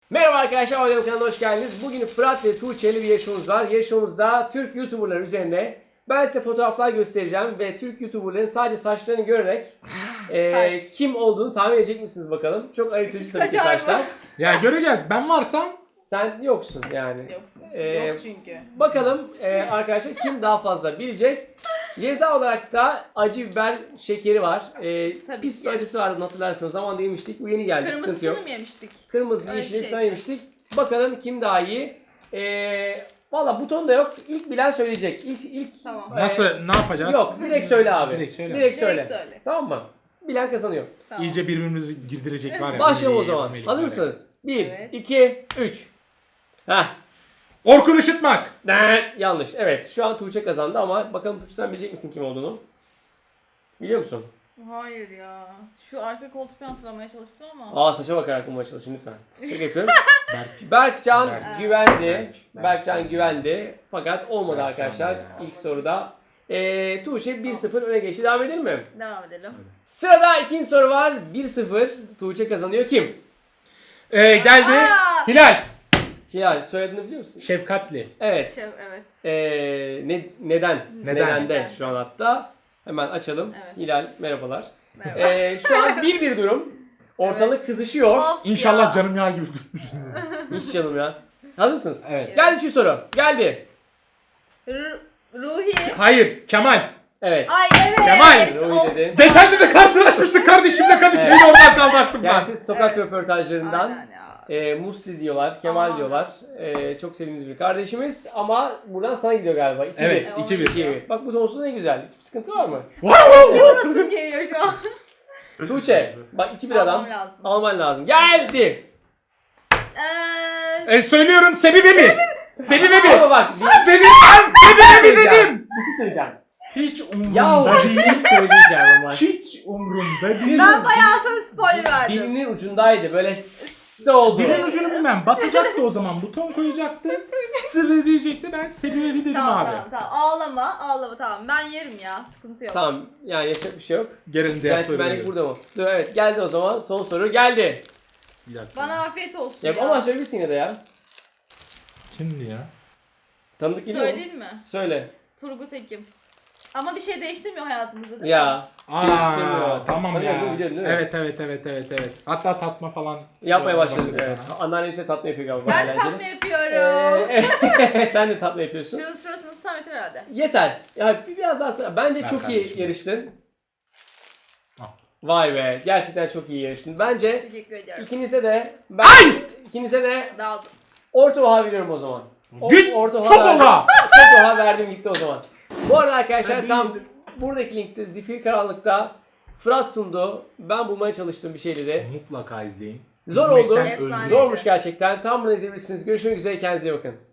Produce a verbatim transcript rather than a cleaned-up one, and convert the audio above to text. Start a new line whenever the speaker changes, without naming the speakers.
Merhaba arkadaşlar, Adem kanalına hoş geldiniz. Bugün Fırat ve Tuğçe'li bir yarışmamız var. Yarışmamızda Türk YouTuber'lar üzerine ben size fotoğraflar göstereceğim ve Türk YouTuber'ların sadece saçlarını görerek e, kim olduğunu tahmin edecek misiniz bakalım. Çok ayırtıcı tabii ki saçlar.
Ya göreceğiz. Ben varsam
Sen yoksun yani.
Yoksun.
Ee,
Yok çünkü.
Bakalım e, arkadaşlar kim daha fazla bilecek. Ceza olarak da acı biber şekeri var. E,
Tabii
pis
ki.
bir acısı vardı, hatırlarsanız. Zamanında yemiştik. Bu yeni geldi. Sıkıntı yok.
Kırmızısını mı yemiştik?
Kırmızı,
Öyle
yeşil,
bir
hepsini
şeydi.
yemiştik. Bakalım kim daha iyi. Ee, Valla buton da yok. İlk bilen söyleyecek. İlk, ilk
Tamam.
e,
nasıl ne yapacağız?
Yok, direkt söyle abi.
Direkt söyle.
Direkt söyle.
Direkt söyle.
Tamam mı? Bilen kazanıyor.
Tamam.
İyice birbirimizi girdirecek var ya.
Başlayalım o
Melih,
zaman.
Melih
Hazır
var ya.
mısınız? bir,
Evet.
iki, üç. Heh.
Orkun Işıtmak.
Ne? Yanlış. Evet. Şu an Tuğçe kazandı ama bakalım Tuğçe sen bilecek misin kim olduğunu? Biliyor musun?
Hayır ya. Şu arka koltuktan hatırlamaya çalıştım ama.
Aa, saça bakarak bulmaya çalışın lütfen. Şaka yapıyorum.
Berk.
Berkcan
Berk.
güvendi.
Berk.
Berkcan
Berk.
güvendi. Fakat olmadı
Berkcan
arkadaşlar
ya.
ilk soruda. Ee, Tuğçe bir sıfır öne geçti. Devam edelim mi?
Devam edelim.
Sırada ikinci soru var. bir sıfır. Tuğçe kazanıyor. Kim?
Ee, geldi.
Aa!
Hilal.
Hilal. Soyadını biliyor musun?
Şefkatli.
Evet.
Şey, evet.
Ee, ne, neden?
Neden?
Nedende
Neden?
şu an hatta. Hemen açalım.
Evet.
Hilal merhabalar.
Merhaba.
Ee, şu an bir bir durum. Ortalık kızışıyor.
Of
İnşallah
ya.
canım yağ gibi tutmuşsun.
Hiç canım ya. Hazır mısınız?
Evet.
Geldi üçüncü soru. Geldi.
R- Ruhi.
Hayır. Kemal.
Evet.
Ay evet.
Kemal.
Ruhi
Of.
dedi.
Geçen de de karşılaşmıştık kardeşimle Kadıköy'de
Evet.
oradan kaldı aklımdan.
Gelsin sokak
Evet.
röportajlarından.
Aynen ya.
E, Musli diyorlar, Kemal
Aman.
diyorlar. E, çok sevdiğimiz bir kardeşimiz ama buradan sana gidiyor galiba. iki
Evet.
E,
iki
ona
bir.
gidiyor.
bir. Bak bu tonsuz ne güzel. Bir sıkıntı var mı?
Nasıl geliyor şu an?
Tuğçe, bak iki bir adam.
Almam lazım.
Alman lazım. Geldi.
Eee...
E, söylüyorum Sebibe mi? Sebibe mi?
Ama bak, bir,
Dedim ben Sebibe mi
söyleyeceğim.
dedim.
Bir şey söyleyeceğim.
Hiç
Ya
umurumda
bir
değil.
şey söyleyeceğim ama.
Hiç umurumda değil.
Ben bayağı sana spoiler verdim.
Dilinin ucundaydı. Böyle s oldu.
Dilin ucunu bilmem. Basacaktı o zaman. Buton koyacaktı. Sırrı diyecekti. Ben Sebibe mi dedim
Tamam
abi.
tamam tamam. Ağlama ağlama tamam. Ben yerim ya. Sıkıntı yok.
Tamam, yani yapacak bir şey yok.
Gelin diğer soruya.
Centilmenlik burada mı? Dur, evet, geldi o zaman. Son soru geldi.
Bir dakika.
Bana afiyet olsun
Ya
ya.
ama söyleyebilirsin yine de ya.
Kimdi ya?
Tanıdık geliyor mu?
Söyleyeyim mi?
Söyle.
Turgut Ekim. Ama bir şey değiştirmiyor hayatımızda değil mi?
Ya. Değiştirmiyor.
Aa, tamam
Tanıyor,
ya.
değil mi? Biliyorum, değil mi?
Evet evet evet evet evet. Hatta tatma falan
Yapmaya başladık,
başladı
evet.
sana.
Anneannesi tatlı yapıyor galiba.
Ben
eğlenceli.
tatlı yapıyorum.
Ee, sen de tatlı yapıyorsun.
Şurası şurasını Samet herhalde.
Yeter. Ya bir- biraz daha sıra. Bence
Ver
çok
kardeşim.
iyi yarıştın.
Al.
Vay be. Gerçekten çok iyi yarıştın. Bence
Teşekkür ediyorum.
ikinize de ben ikinize de
Dağıldım.
orta oha veriyorum o zaman. O-
Git,
orta oha
çok
verdim.
oha!
Çok oha verdim gitti o zaman. Bu arada arkadaşlar
Ben
tam
bildim.
buradaki linkte Zifir Karanlık'ta Fırat sundu. Ben bulmaya çalıştığım bir şeyleri.
Mutlaka izleyin.
Zor
Gülmekten
oldu.
ölmeyin.
Efsane.
Zormuş gerçekten. Tam bunu izleyebilirsiniz. Görüşmek üzere. Kendinize iyi bakın.